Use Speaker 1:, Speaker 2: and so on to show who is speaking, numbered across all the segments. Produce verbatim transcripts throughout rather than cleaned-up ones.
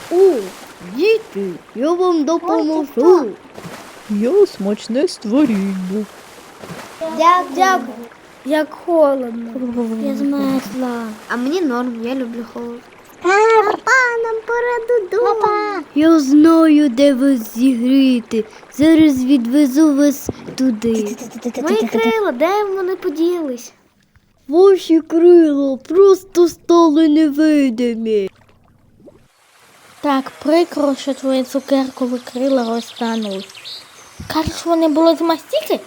Speaker 1: О, діти, я вам допоможу.
Speaker 2: Я смачне створіння.
Speaker 1: Дякую. Як холодно.
Speaker 3: Я змерзла.
Speaker 1: А мені норм, я люблю холод.
Speaker 3: Папа, нам пора додому. Папа.
Speaker 1: Я знаю, де вас зігріти. Зараз відвезу вас туди.
Speaker 3: Мої крила, де вони поділись?
Speaker 1: Ваші крила просто стали невидимі.
Speaker 3: Так, прикро, що твої цукеркові крила розтанули. Кажеш, вони були з мастики?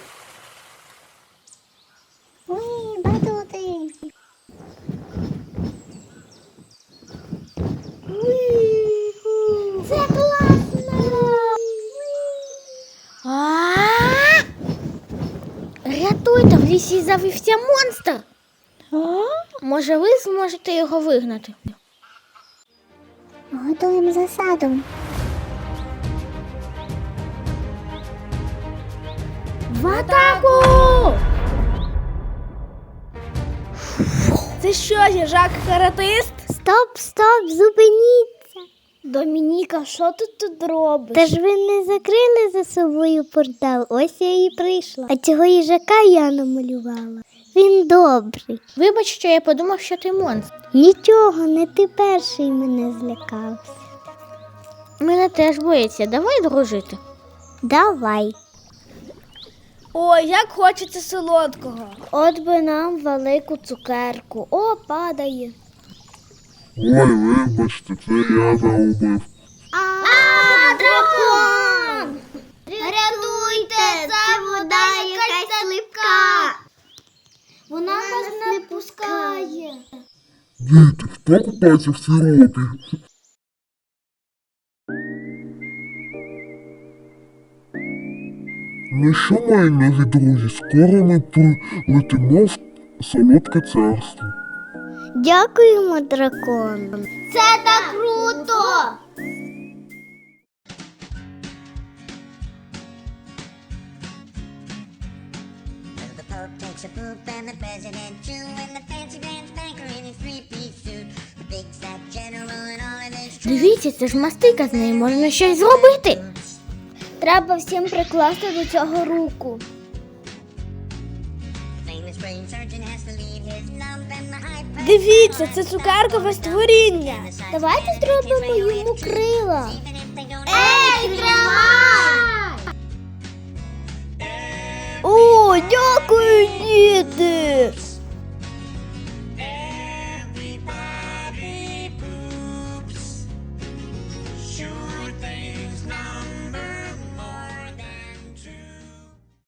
Speaker 3: Ой, батути. Це класно! А-а-а! Рятуйте, в лісі завівся монстр. Може, ви зможете його вигнати? Готуємо засаду. В атаку!
Speaker 1: Це що, їжак-каратист?
Speaker 3: Стоп, стоп, зупиніться. Домініка, що ти тут робиш? Та ж ви не закрили за собою портал, ось я і прийшла. А цього їжака я намалювала. Він добрий. Вибач, що я подумав, що ти монстр. Нічого, не ти перший мене злякався. Мене теж боїться, давай дружити. Давай.
Speaker 1: Ой, як хочеться солодкого.
Speaker 3: От би нам велику цукерку. О, падає.
Speaker 4: Ой, вибачте, це я загубив.
Speaker 3: А, дракон! Рятуйте, це вода якась липка. Вона нас не пускає.
Speaker 4: Діти, хто купається в сиропі? Ну що, мої нові друзі, скоро ми полетимо в солодке царство.
Speaker 3: Дякуємо, дракон. Це так круто!
Speaker 5: The Pope takes a poop and the President too, and the fancy pants banker in his three-piece suit. The big fat general and all of this.
Speaker 3: Дивіться, це ж мастика, з нею можна щось зробити. Треба всім прикласти до цього руку.
Speaker 5: The famous brain surgeon has to leave his lump and the high
Speaker 1: Дивіться, це цукеркове створіння.
Speaker 3: Давайте зробимо йому крила.
Speaker 5: even if they don't
Speaker 3: Ей, тримай!
Speaker 1: О, дякую, діти.